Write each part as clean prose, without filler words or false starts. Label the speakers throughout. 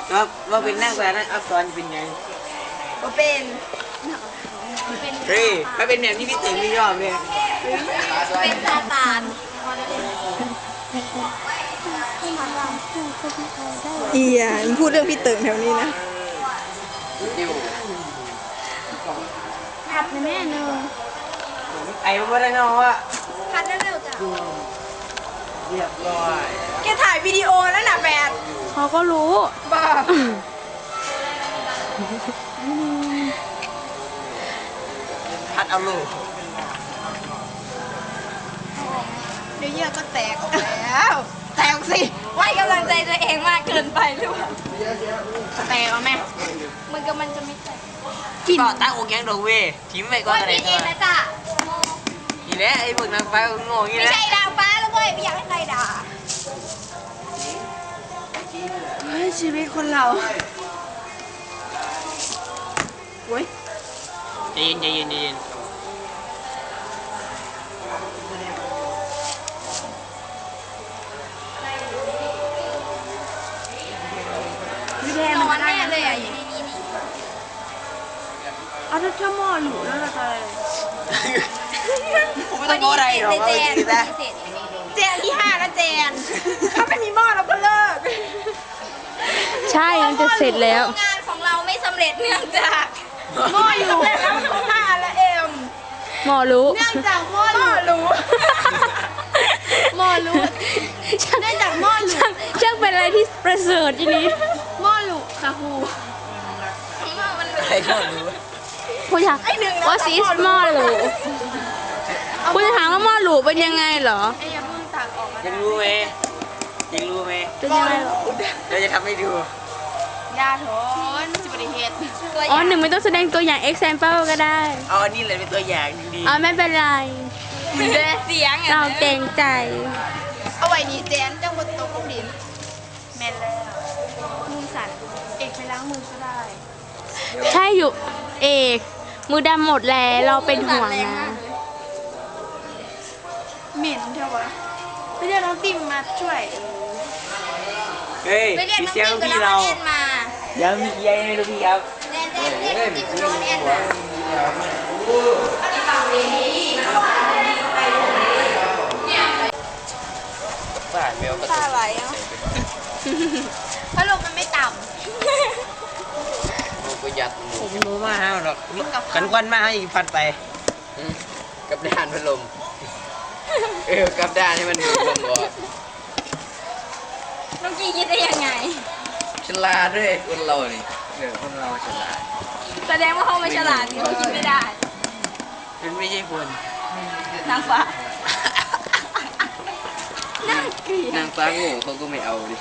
Speaker 1: ว่าเป็นนั่งแต่นั้นอักษรเป็นไง
Speaker 2: ว่าเป็น
Speaker 1: เฮ้ยถ้าเป็นแบบนี้พี่ติ๋งไม่ยอมเลย
Speaker 2: เป็นซาตาน
Speaker 3: อีอ่ะพูดเรื่องพี่เติ่งแถวนี้นะ
Speaker 2: ผัดในแม่เนอะ
Speaker 1: ไอ้บ้านนอกอ่ะ
Speaker 2: ผัดเร็วๆจ้ะ
Speaker 1: เรียบร้อย
Speaker 2: แกถ่ายวิดีโอแล้วนะแฟน
Speaker 3: เขาก็รู้
Speaker 2: บ้า
Speaker 1: พัดเอาลูก
Speaker 2: เดี๋ยวเยื่อก็แตกออกแล้วแตกสิไว้กำลังใจตัวเองมากเกินไปหรือเปล่าแตกเอาไหมมันจะไม่แตก
Speaker 1: ก็ตั้งอกยังดอกเว้ทิ้งไปก่อนอะไร
Speaker 2: ตัวนะจ๊ะ
Speaker 1: อีแล้วไอ้พวกนางฟ้าโง่งี้
Speaker 2: ไม่
Speaker 1: นะ
Speaker 2: ใช่ดาวฟ้าแล้วเว้ยไม่อยากให้ใครด่าเฮ้ยชีวิตคนเราโว้ย
Speaker 1: ใจเย็น
Speaker 2: ไม่แดงมันแน่เลยอ่ะอยู่นี่
Speaker 3: เอาถ้าชั่วโมงหนูแล้วเราจะอะไร
Speaker 1: ผมไม่ต้องโง่อะไรหรอก
Speaker 2: เจนที่5นะเจนถ้าไม่มีหม้อเราก็เลิก
Speaker 3: ใช่มันจะเสร็จแล้ว
Speaker 2: งานของเราไม่สำเร็จเนื่องจากหม้ออยู่แล้ว5และเอ็ม
Speaker 3: หมอรู้
Speaker 2: เนื่องจากหม้อรู้หม้อรู้เนื่องจากหม้อรู้
Speaker 3: ช่างเป็นอะไรที่ประเสริฐทีนี้
Speaker 2: หม้อรู้ค่ะครู
Speaker 1: ใครก็รู้
Speaker 3: ผู้ชายว่าซีสหม้อหลูผู้ชายถามว่าหม้อหลูเป็นยังไงเหรอ
Speaker 1: ยังรู้ไหม
Speaker 3: เป็นยังไงเหรอ
Speaker 1: เราจะทำให้ดู
Speaker 2: ยาโถนจิบริเหตุ
Speaker 3: อ๋อหนึ่งไม่ต้องแสดงตัวอย่าง example ก็ได้
Speaker 1: เอาอันนี้เลยเป็นตัวอย่างดี
Speaker 3: อ๋อไม่เป็นไร
Speaker 2: เสียง
Speaker 3: เราเกรงใจ
Speaker 2: เอาไว้นี่เจนจังบนโต๊ะกุ้งดินแม่นแล้วมือสั่นเอกไปล้างมือก็ได้
Speaker 3: ใช่อยู่เอกมือดำหมดแล้วเราเป็นห่วงนะ
Speaker 2: เหม็นเท่าวะไปเรียกน้องติมมาช่วย
Speaker 1: เฮ้ยพี่เสียงพี่เรายังมีเยอะเลยพี่ครับ
Speaker 2: เล่นติมน้องแอนมา
Speaker 1: ป้าเมียวก็
Speaker 2: ตาไหลอ่ะเพราะลมมันไม่ต่ำ
Speaker 1: ประหยัดผมรู้มากฮะหรอกกันควันมากอีกพัดไปกับด้านพัดลมกับด้านให้มันดูลมก่อน
Speaker 2: น้องกี้คิดได้ยังไง
Speaker 1: ฉลาดด้วยคนเรานี่คนเราฉลาด
Speaker 2: แสดงว่าเขาไม่ฉลาดเขาคิดไม่ได้
Speaker 1: เป็นไม่ใช่คน
Speaker 2: นางฟ้า
Speaker 1: นางฟ้าโง่เขาก็ไม่เอาดิ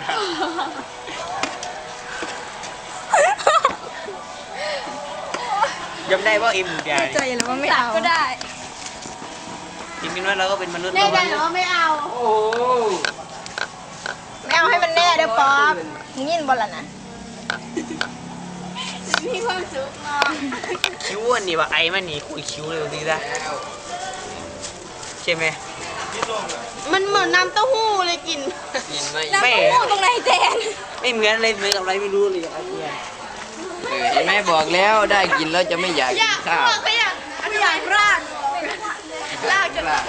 Speaker 1: ยอมได้ว่าเอ็มใหญ่
Speaker 2: ใจหรือว่าไม่เอาก็ได้
Speaker 1: จริงๆว่าเราก็เป็นมนุษย์
Speaker 2: แน่ใจหรือว่าไม่เอาโอ้ไม่เอาให้มันแน่เด้อป๊อปมึงยินบอลละนะมีความสุขเนาะ
Speaker 1: คิ้วอันนี้ว่าไอ้มันนี่คุยคิ้วเลยดีละใช่ไหม
Speaker 2: มันเหมือนน้ำเต้าหู้เลยกินน้ำเต้าหู้ตรงไหนแจน
Speaker 1: ไม่เหมือนอะไรเหมือนกับอะไรไม่รู้เลยเห็นไหมบอกแล้วได้กินแล้วจะไม่อยากกินข้าว
Speaker 2: ไม่อยากรากจะแตก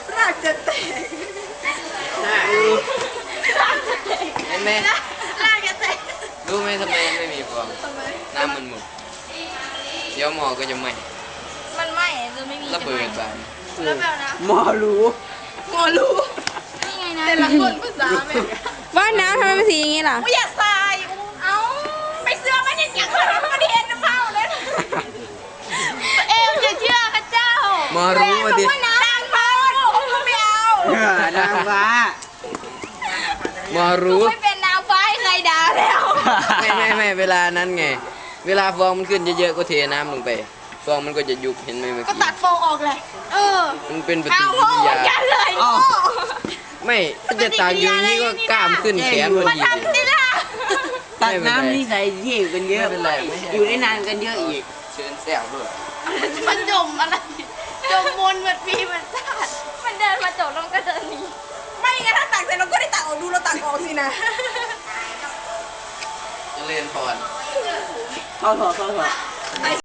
Speaker 1: เห็นไหม
Speaker 2: รากจะแตก
Speaker 1: รู้ไหมทำไมไม่มีฟองน้ำมันหมดเดี๋ยวหมอก็จะไหม้
Speaker 2: มันไหม้จะไม่มี
Speaker 1: ระเบิดไป
Speaker 2: แล้วแบบนะ
Speaker 1: หมอรู้
Speaker 2: นี่ไงนะแต่ละคนภาษาแม่
Speaker 3: ว่าน้ำทำไมเป็นสีอย่างนี้ล่ะ
Speaker 2: อย่าใส่เอาไปเสื้อมันอย่างมันเห็นน้ำเผาเลยเอวอย่าเชื่อพระเจ้า
Speaker 1: หมอรู้มาดิ
Speaker 2: นางฟ้าไม่เอา
Speaker 1: นางฟ้าหมอรู้
Speaker 2: ไม่เป็นนางฟ้าให้ใครด่าแล้ว
Speaker 1: ไม่เวลานั้นไงเวลาฟองมันขึ้นเยอะๆก็เทน้ำลงไปฟองมันก็จะยุบเห็นไหมเมื่อกี้
Speaker 2: ก็ตัดฟองออกเลย
Speaker 1: มันเป็นปฏิกิริยาไม่ถ้าจะตากอยู่นี่ก็กล้ามขึ้นแขนพอดีตัดน้ำนี่ใส่ยี่กันเยอะอยู่ได้นานกันเยอะอีกเชิญแซวด้วย
Speaker 2: มันจมอะไรจมมนมันปีมันชาติมันเดินมาจบแล้วก็เดินหนีไม่งั้นถ้าตักเสร็จเราก็ได้ตักออกดูเราตักออกสินะ
Speaker 1: ริญพร
Speaker 4: เข้าถอด